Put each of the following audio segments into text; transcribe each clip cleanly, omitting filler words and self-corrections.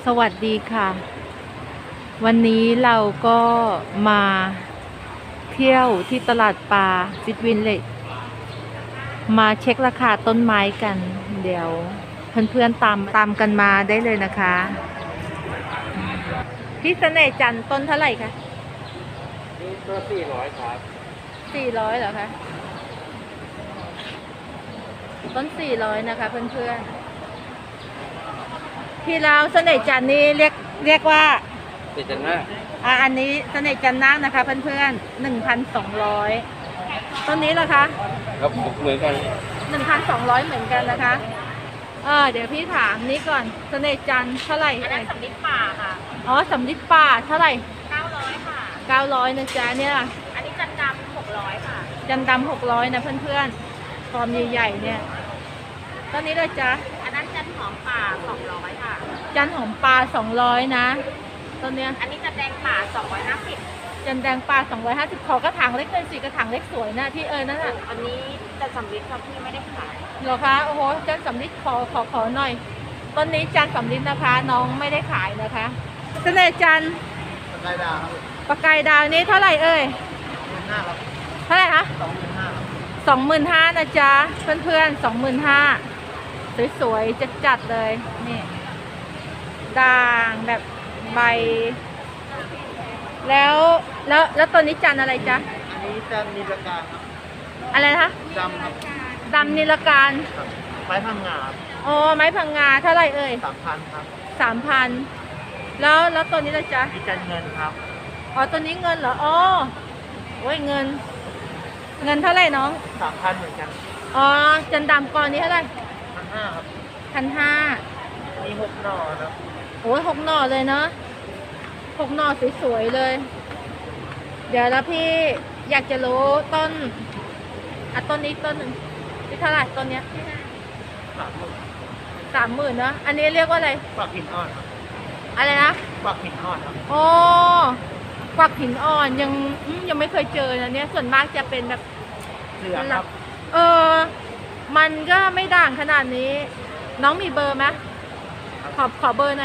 สวัสดีค่ะ วันนี้เราก็มาเที่ยวที่ตลาดปลาซิดวินเลจมาเช็คราคาต้นไม้กัน เดี๋ยวเพื่อนๆตามกันมาได้เลยนะคะพี่เสน่ห์จันทร์ต้นเท่าไหร่คะนี่ก็400ครับ 400เหรอคะต้น400นะคะเพื่อนๆที่เราเสน่ห์จันทร์นี่เรียกว่าติดจันมากอันนี้เสน่ห์จันทร์นาคนะคะเพื่อนๆ1,200ต้นนี้เหรอคะครับเหมือนกัน 1,200เหมือนกันนะคะเดี๋ยวพี่ถามนี้ก่อนเสน่ห์จันทร์เท่าไหร่อันนั้นสำลิดป่าค่ะอ๋อสำลิดป่าเท่าไหร่ 900ค่ะ 900นะจ๊ะเนี่ยอันนี้จันดำ600ค่ะจันดำ600นะเพื่อนๆฟอร์มใหญ่ๆเนี่ยต้นนี้เลยจ๊ะอันนั้นจันหอมป่า200ค่ะจันหอมปลา200นะต้นเนี้ยอันนี้จันแดงป่า250 จันแดงปลา250ขอกระถางเล็กเลยสิกระถางเล็กสวยนะที่นั่นน่ะอันนี้จันสำลิดครับที่ไม่ได้ขายเหรอคะโอ้โหจันสำลิดขอหน่อยต้นนี้จันสำลิดนะคะน้องไม่ได้ขายนะคะเสน่ห์จันปากกายดาวนี้เท่าไหร่เอ่ยเท่าไหร่คะ25,000นะจ๊ะเพื่อนๆ25,000สวยๆจัดเลยนี่ด่างแบบใบแล้วตัวนี้จันอะไรจ๊ะอันนี้จันนิลการครับอะไรนะคะดำครับดำนิลการไม้พังงาอ๋อไม้พังงาเท่าไรเอ่ย 3,000ครับ 3,000แล้วตัวนี้ละจ๊ะมีจันเงินครับอ๋อตัวนี้เงินเหรออ๋อโอ้ยเงินเท่าไรน้อง 3,000เหมือนกันอ๋อจันดำก้อนนี้เท่าไร 1,500ครับ 1,500 มี6 หน่อครับโอ้ย6 หน่อเลยเนาะ6 หน่อสวยๆเลยเดี๋ยวแล้วพี่อยากจะรู้ต้นต้นนี้ต้นหนึ่งที่เท่าไหร่ต้นเนี้ย30,000เนาะอันนี้เรียกว่าอะไรปักหินอ่อนครับอะไรนะปักหินอ่อนครับโอ้ปักหินอ่อนยังไม่เคยเจอนะเนี่ยส่วนมากจะเป็นแบบเหลืองครับมันก็ไม่ด่างขนาดนี้น้องมีเบอร์ไหมขอเบอร์หน่อย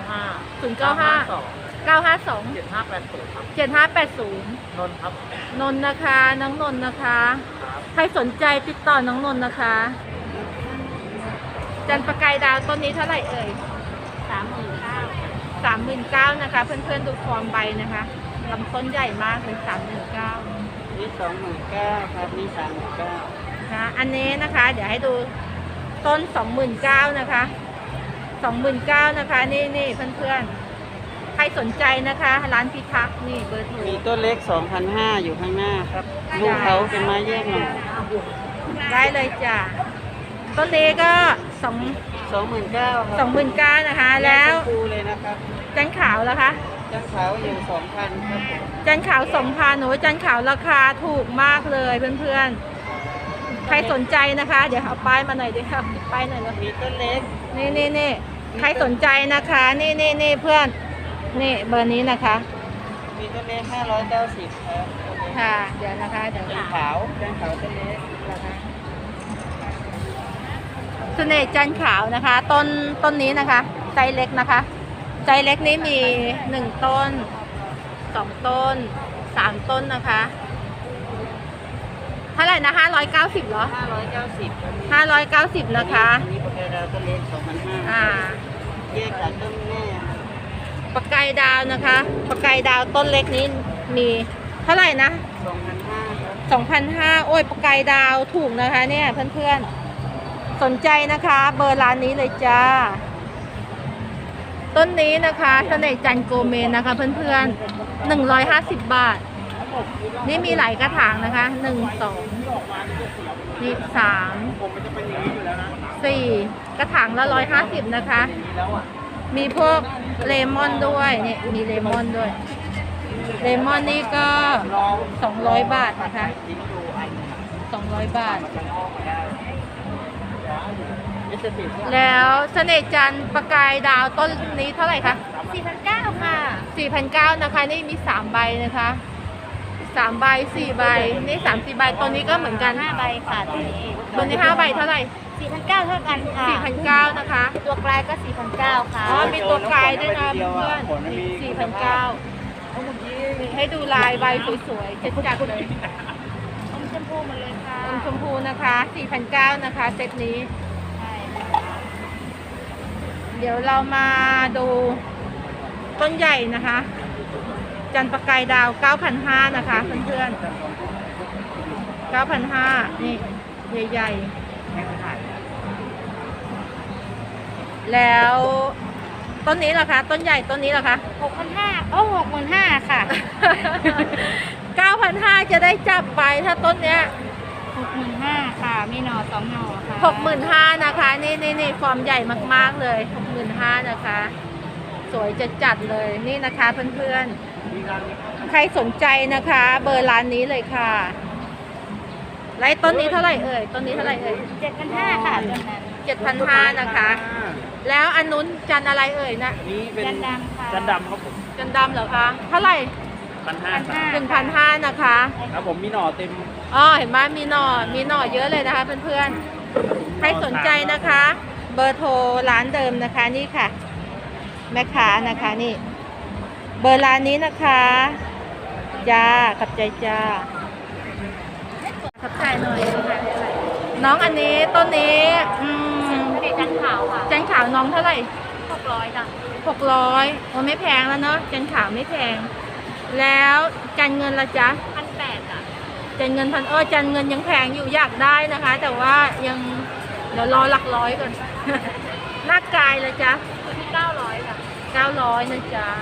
952 7580นนท์ครับนนท์นะคะน้องนนท์นะคะใครสนใจติดต่อน้องนนท์นะคะจันประกายดาวต้นนี้เท่าไหร่เอ่ย39,000นะคะเพื่อนๆดูฟอร์มใบนะคะลำต้นใหญ่มากเลย39,000 นี่29,000ครับนี่39,000 นะอันนี้นะคะเดี๋ยวให้ดูต้น29,000นะคะ29,000นะคะนี่เพื่อนๆใครสนใจนะคะร้านพิทักษ์นี่เบอร์โทรมีต้นเล็ก2,500อยู่ข้างหน้าครับลูกเขาเป็นไม้แยกหน่อยได้เลยจ้ะต้นนี้ก็ 29,000 นะคะแล้วคูเลยนะครับจันขาวแล้วคะจันขาวอยู่2,000ครับจันขาว2,000หนูจันขาวราคาถูกมากเลยเพื่อนๆใครสนใจนะคะเดี๋ยวเอาป้ายมาหน่อยดิครับป้ายหน่อยเลยมีต้นเล็กนี่ใครสนใจนะคะนี่เพื่อนนี่เบอร์นี้นะคะมีต้นเล็ก590ครับค่ะเดี๋ยวนะคะเดี๋ยวจันขาวต้นเล็กนะคะเสน่ห์จันขาวนะคะต้นนี้นะคะไซส์เล็กนะคะไซส์เล็กนี้มี1 ต้น2 ต้น3 ต้นนะคะเท่าไหร่นะ590เหรอ590นะคะนี่ปากกายดาวต้นเล็ก2,500แยกจากต้นแม่ปากกายดาวนะคะปากกายดาวต้นเล็กนี้มีเท่าไหร่นะ2,500โอ้ยปากกายดาวถูกนะคะเนี่ยเพื่อนๆสนใจนะคะเบอร์ร้านนี้เลยจ้าต้นนี้นะคะเสน่ห์จันโกเมนนะคะเพื่อนๆ150 บาทนี่มีหลายกระถางนะคะ1 2นี่3 4กระถางละ150นะคะมีพวกเลมอนด้วยนี่มีเลมอนด้วยเลมอนนี่ก็200 บาทนะคะ200 บาทแล้วเสน่ห์จันประกายดาวต้นนี้เท่าไหร่คะ 4,900ค่ะ 4,900นะคะนี่มี3 ใบนะคะ3 ใบ4 ใบนี่3-4 ใบตัวนี้ก็เหมือนกัน 5 ใบค่ะตัวนี้ 5 ใบเท่าไหร่ 4,900เท่ากันค่ะ 4,900นะคะตัวกลายก็ 4,900 ค่ะอ๋อมีตัวกายด้วยนะเพื่อนขนมันมี 4,900ให้ดูลายใบสวยๆจัดๆเลยอมชมพูหมดเลยค่ะอมชมพูนะคะ 4,900นะคะเซตนี้ใช่เดี๋ยวเรามาดูต้นใหญ่นะคะ จันทร์ประกายดาว 9,500 นะคะเพื่อนๆ 9,500 นี่ใหญ่ๆ แล้วต้นนี้ล่ะคะ ต้นใหญ่ต้นนี้ล่ะคะ 6,500โอ้65,000ค่ะ 9,500 จะได้จับไปถ้าต้นเนี้ย 65,000ค่ะ มีหน่อ2หน่อค่ะ 65,000นะคะนี่ฟอร์มใหญ่มากๆเลย 65,000นะคะ สวยจัดๆเลยนี่นะคะเพื่อนๆใครสนใจนะคะ เบอร์ร้านนี้เลยค่ะไล่ต้นนี้เท่าไหร่เอ่ยต้นนี้เท่าไหร่เอ่ย 7,500ค่ะต้นนั้น 7,500นะคะ แล้วอันนู้นจันอะไรเอ่ยนะนี่เป็นจันดำค่ะจันดำครับผมจันดำเหรอคะเท่าไหร่ 1,500 1,500นะคะครับผมมีหน่อเต็มอ๋อเห็นไหมมีหน่อเยอะเลยนะคะเพื่อนๆใครสนใจนะคะ เบอร์โทรร้านเดิมนะคะนี่ค่ะ แม่ค้านะคะนี่ เบอร์ร้านนี้นะคะจ้าขับใจจ้าขับใจหน่อยน้องอันนี้ต้นนี้ทะเลจันทร์ขาวค่ะจันขาวน้องเท่าไหร่ 600จ้ะ 600โอ้ไม่แพงแล้วเนาะจันขาวไม่แพง แล้วจันเงินละจ๊ะ 1,800จ้ะจันเงินจันเงินยังแพงอยู่อยากได้นะคะ แต่ว่ายังเดี๋ยวรอหลักร้อยก่อน หน้ากายละจ๊ะอยู่ที่900จ้ะ 900นะจ๊ะ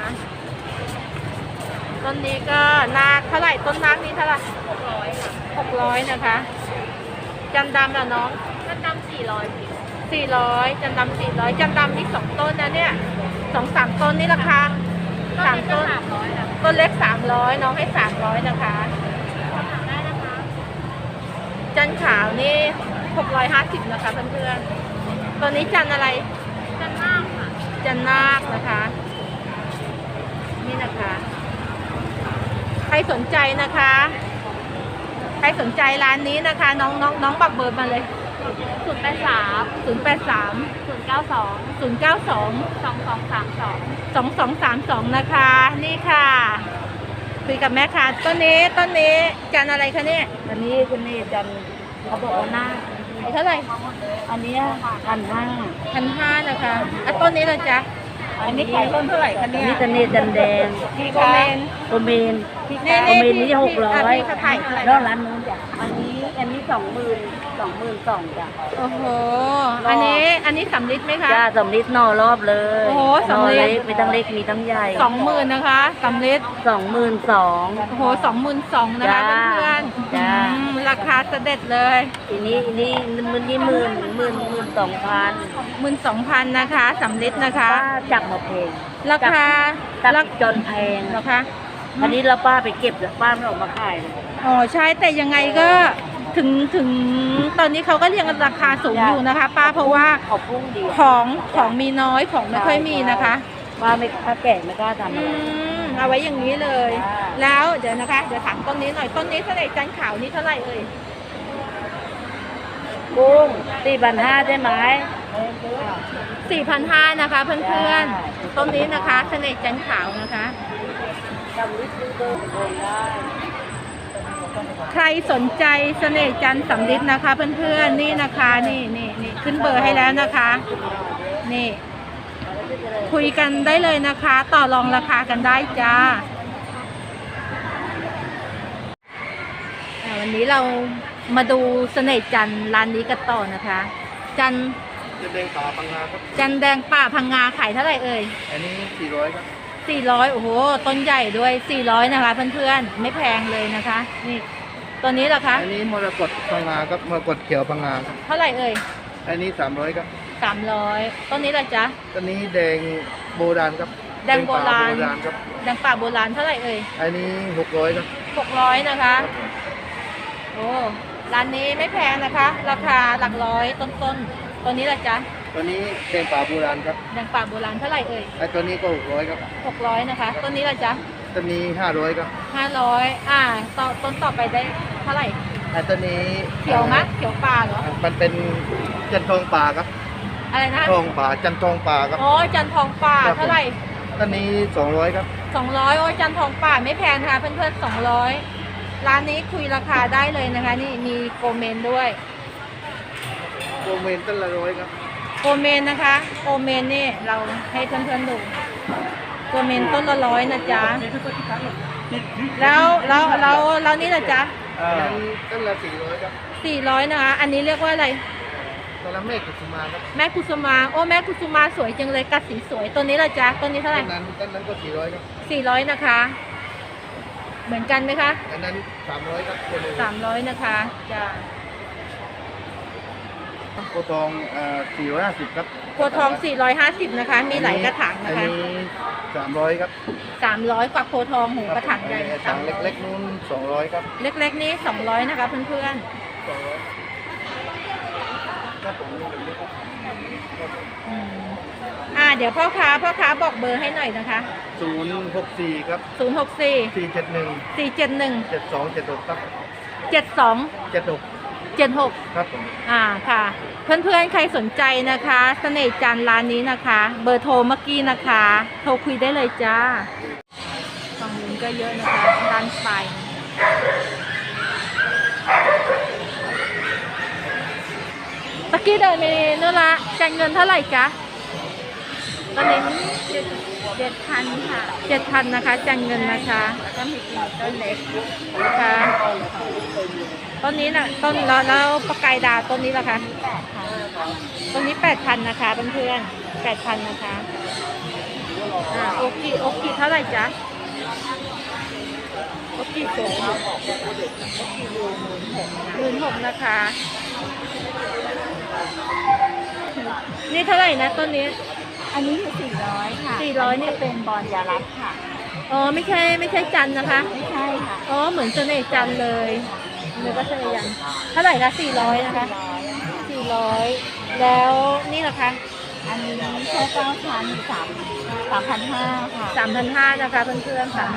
ต้นนี้ก็นาคเท่าไหร่ต้นนาคนี้เท่าไหร่ 600ค่ะ 600นะคะจันดำละน้องจันดำ400 400จันดำ400จันดำนี่2ต้นนะเนี่ย2-3 ต้นนี่ราคา3 ต้น 300จ้ะต้นเล็ก300น้องให้300นะคะถามได้นะคะจันขาวนี่650นะคะเพื่อนๆตัวนี้จันอะไรจันนาคค่ะจันนาคนะคะ นี่นะคะ ใครสนใจนะคะ ใครสนใจร้านนี้นะคะ น้องบอกเบอร์มาเลย 083 083 092 092 2232 2232นะคะ นี่ค่ะคุยกับแม่ค่ะต้นนี้จันอะไรคะเนี่ยอันนี้จันเขาบอกว่าหน้าเท่าไหร่อันนี้1,500 1,500นะคะอ่ะต้นนี้ละจ๊ะ อันนี้ขายต้นเท่าไหร่คะเนี่ยนี่จันเนตจันแดงพี่โกเมนโอเมนนี่โอเมนนี่600 พี่เขาถ่ายอะไรแล้วร้านนู้นจ้ะอันนี้22,000จ้ะโอ้โห อันนี้สำลิดไหมคะจ้าสำลิดหน่อรอบเลยโอ้โหหน่อสำลิดเล็กมีทั้งเล็กมีทั้งใหญ่ 20,000นะคะสำลิด 22,000 โอ้โห22,000นะคะจ้าเพื่อนๆจ้าราคาเสด็จเลยทีนี้ 12,000นะคะสำลิดนะคะป้าจับมาเพลงราคาจับจนแพงเหรอคะอันนี้เราป้าไปเก็บแล้วป้าไม่ออกมาขายเลยอ๋อใช่แต่ยังไงก็ถึงตอนนี้เขาก็เรียงราคาสูงอยู่นะคะ ป้าเพราะว่าขอบพุ่งดีของมีน้อยของไม่ค่อยมีนะคะป้าไม่ถ้าแก่ไม่กล้าทำอะไรเอาไว้อย่างนี้เลยจ้าแล้วเดี๋ยวนะคะเดี๋ยวถามต้นนี้หน่อยต้นนี้เท่าไหร่จันขาวนี่เท่าไหร่เอ่ยกุ้ง4,500ใช่ไหม 4,500นะคะเพื่อนๆต้นนี้นะคะเสน่ห์จันขาวนะคะจำลิซื้อเบอร์โอนได้ใครสนใจเสน่ห์จันทร์สำลิดนะคะเพื่อนๆนี่นะคะนี่ขึ้นเบอร์ให้แล้วนะคะนี่คุยกันได้เลยนะคะ ต่อรองราคากันได้จ้าวันนี้เรามาดูเสน่ห์จันทร์ร้านนี้กันต่อนะคะ จันทร์แดงป่าพังงาครับจันทร์แดงป่าพังงาขายเท่าไหร่เอ่ยอันนี้400ครับ 400โอ้โหต้นใหญ่ด้วย400นะคะเพื่อนๆไม่แพงเลยนะคะนี่ตัวนี้เหรอคะอันนี้มรกตพังงาครับมรกตเขียวพังงาครับเท่าไหร่เอ่ยอันนี้300ครับ 300ต้นนี้ล่ะจ๊ะอันนี้แดงโบราณครับแดงโบราณแดงป่โบราณครับแดงป่าโบราณเท่าไหร่เอ่ยอันนี้600ครับ 600นะคะโอ้ร้านนี้ไม่แพงนะคะ ราคาหลักร้อยต้นๆตัวนี้ล่ะจ๊ะตัวนี้แดงป่าโบราณครับแดงป่าโบราณเท่าไหร่เอ่ยไอ้ตัวนี้ก็600ครับ 600นะคะต้นนี้ล่ะจ๊ะตัวนี้500ครับ 500ต้นต่อไปได้เท่าไหร่แต่ตัวนี้เขียวมะเขียวป่าเหรอมันเป็นจันทองป่าครับอะไรนะทองป่าจันทองป่าครับอ๋อจันทองป่าครับผมเท่าไหร่ตัวนี้200ครับ 200โอ้ยจันทองป่าไม่แพงค่ะเพื่อนๆ200ร้านนี้คุยราคาได้เลยนะคะ นี่มีโกเมนด้วยโกเมนต้นละ100ครับโกเมนนะคะโกเมนนี่เราให้เพื่อนๆดูโกเมนต้นละ100นะจ๊ะแล้วนี่นะจ๊ะนั้นต้นละ400ครับ 400นะคะอันนี้เรียกว่าอะไรต้นละเมฆกุสุมาครับแม่กุสุมาโอ้แม่กุสุมาสวยจังเลยกัดสีสวยตัวนี้ละจ๊ะตัวนี้เท่าไหร่ต้นนั้นก็400ครับ 400นะคะ เหมือนกันไหมคะอันนั้น300ครับตัวนึง 300นะคะจ้ะโคทอง450ครับตัวทอง450นะคะ มีหลายกระถางอันะนคะนี้300ครับ 300กว่าโพธิ์ทองหูกระถางใหญ่ถังเล็กๆนู้น200ครับๆเล็กๆนี่200นะคะเพื่อนครับผมๆเดี๋ยวพ่อค้าบอกเบอร์ให้หน่อยนะคะ 064ครับ 064 471 471 7276ครับ 72 76 76 ครับผมค่ะ เพื่อนๆใครสนใจนะคะเสน่ห์จันทร์ร้านนี้นะคะ เบอร์โทรเมื่อกี้นะคะ โทรคุยได้เลยจ้าฝั่งนู้นก็เยอะนะคะด้านไปตะกี้เดินไปนู่นละจ่ายเงินเท่าไหร่จ๊ะตอนนี้7,000ค่ะ7,000นะคะจ่ายเงินนะคะแล้วก็มีต้นเล็กนะคะต้นนี้นะต้นแล้วปลากายดาวต้นนี้ล่ะคะต้นนี้8,000นะคะเพื่อนๆ8,000นะคะโอเคเท่าไหร่จ๊ะโอเคสูง16,000นะคะ นี่เท่าไหร่นะต้นนี้อันนี้คือ400ค่ะ 400นี่เป็นบอลยาลักค่ะอ๋อไม่ใช่จันทร์นะคะไม่ใช่ค่ะอ๋อเหมือนเสน่ห์จันทร์เลยนึกว่าเสน่ห์จันทร์เท่าไหร่คะ400นะคะ400แล้วนี่ล่ะคะอันนี้แค่9,000อยู่3,500ค่ะ 3,500นะคะเพื่อนๆ3,500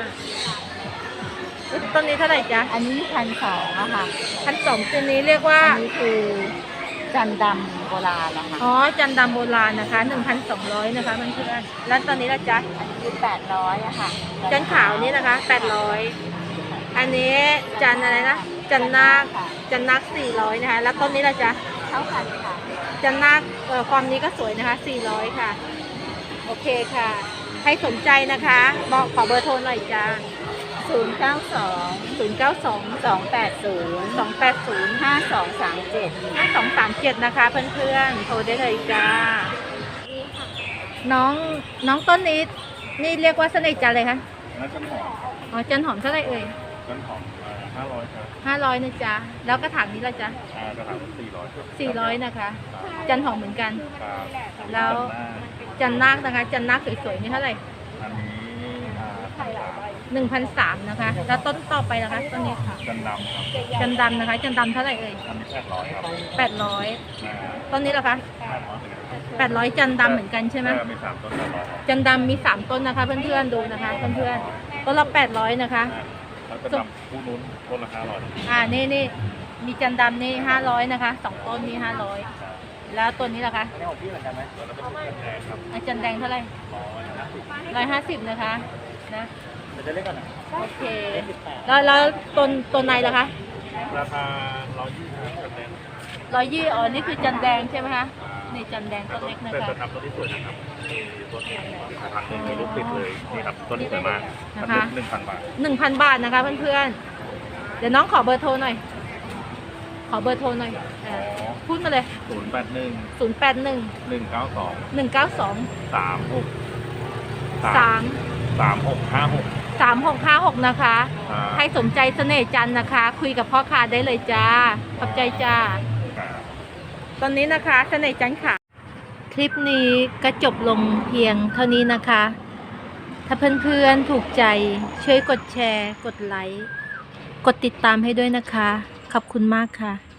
ต้นนี้เท่าไหร่จ๊ะอันนี้1,200อะค่ะ 1,200ตัวนี้เรียกว่าอันนี้คือจันดำโบราณนะคะอ๋อจันทร์ดำโบราณนะคะ 1,200นะคะเพื่อนๆแล้วตอนนี้ล่ะจ๊ะอันนี้คือ800อะค่ะจันทร์ขาวนี่นะคะ800อันนี้จันทร์อะไรนะจันทร์นาค400นะคะแล้วต้นนี้ล่ะจ๊ะเท่ากันค่ะจันทร์นาคความนี้ก็สวยนะคะ400ค่ะโอเคค่ะใครสนใจนะคะบอกขอเบอร์โทรหน่อยจ้า 092 092 280 280 5237 5237นะคะเพื่อนๆโทรได้เลยจ้าน้องต้นนี้นี่เรียกว่าเสน่ห์จันทร์เลยคะแล้วจันหอมอ๋อจันหอมเท่าไหร่เอ่ยจันหอม500ครับ 500นะจ๊ะแล้วกระถางนี้ละจ๊ะกระถาง400ครับ 400นะคะจันหอมเหมือนกันครับแล้ว จันนาคนะคะจันนาคสวยๆนี่เท่าไหร่อันนี้ 1,300นะคะแล้วต้นต่อไปนะคะต้นนี้ค่ะจันดำครับจันดำนะคะจันดำเท่าไหร่เอ่ยอันนี้800ครับ 800ต้นนี้เหรอคะ 800 800จันดำเหมือนกันใช่ไหมมี3ต้น800 จันดำมี3ต้นนะคะเพื่อนๆดูนะคะเพื่อนๆต้นละ800นะคะแล้วจันดำคู่นู้นต้นละ500 นี่มีจันดำนี่500นะคะ2ต้นนี่500แล้วตัวนี้ล่ะคะแล้วเป็นจันแดงครับจันแดงเท่าไหร่150นะคะนะจะเล่นกันนะโอเคแล้วต้นไหนล่ะคะราคา120จันแดง 120อ๋อนี่คือจันแดงใช่ไหมคะนี่จันแดงต้นเล็กนะคะแต่ทำต้นที่สวยนะครับต้นนี้ทางหนึ่งมีลูกติดเลยนี่ครับต้นนี้สวยมากนะคะ 1,000 บาท 1,000 บาทนะคะเพื่อนๆเดี๋ยวน้องขอเบอร์โทรหน่อยขอเบอร์โทรหน่อยพูดมาเลย 081 081 192 192 36 3656 3656 นะคะ ใครสนใจเสน่ห์จันทร์นะคะ คุยกับพ่อค้าได้เลยจ้าขอบใจจ้า ตอนนี้นะคะเสน่ห์จันทร์ค่ะ คลิปนี้ก็จบลงเพียงเท่านี้นะคะ ถ้าเพื่อนๆถูกใจช่วยกดแชร์ กดไลค์ กดติดตามให้ด้วยนะคะ ขอบคุณมากค่ะ